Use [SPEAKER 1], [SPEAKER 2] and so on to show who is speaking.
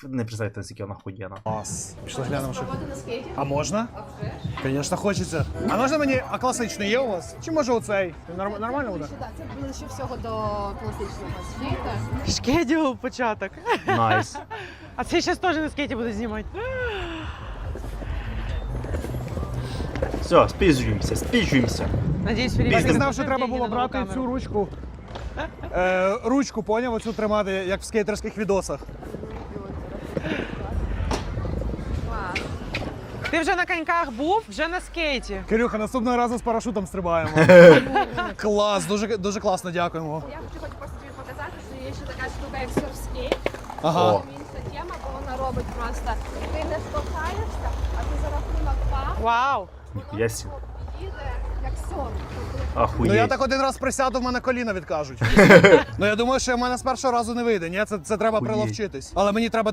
[SPEAKER 1] Не представляєте, наскільки вона охуєнна.
[SPEAKER 2] Клас. Пішли глянемо, що.
[SPEAKER 3] Спробувати на скейті?
[SPEAKER 2] А можна? Звісно, хочеться. А можна мені, а класичний є у вас? Чи може оцей? Нормально буде?
[SPEAKER 3] Так, це ближче всього до класичного скейта.
[SPEAKER 4] Шкеділ початок.
[SPEAKER 1] Найс.
[SPEAKER 4] А це зараз теж на скейті буду знімати.
[SPEAKER 1] Все, спіжуємося, спіжуємося.
[SPEAKER 4] Надіюсь,
[SPEAKER 2] Я
[SPEAKER 4] Філіп
[SPEAKER 2] не знав, що треба було брати цю ручку. Ручку, поняв, оцю тримати, як в скейтерських відосах.
[SPEAKER 4] Ти вже на коньках був, вже на скейті.
[SPEAKER 2] Кирюха, наступного разу з парашутом стрибаємо. Клас, дуже класно, дякуємо.
[SPEAKER 3] Я хочу просто тобі показати, що є ще така штука, як серфскейт.
[SPEAKER 2] Ага.
[SPEAKER 1] О.
[SPEAKER 3] Інша тема, бо вона робить просто, ти не штовхаєшся, а ти за рахунок пах,
[SPEAKER 4] Вау!
[SPEAKER 1] Ніхуя сі.
[SPEAKER 3] їде, як серф.
[SPEAKER 1] Ахуєть.
[SPEAKER 2] Ну я так один раз присяду, в мене коліна відкажуть. Ну я думаю, що в мене з першого разу не вийде. Ні, це треба
[SPEAKER 1] Охуєть.
[SPEAKER 2] приловчитись. Але мені треба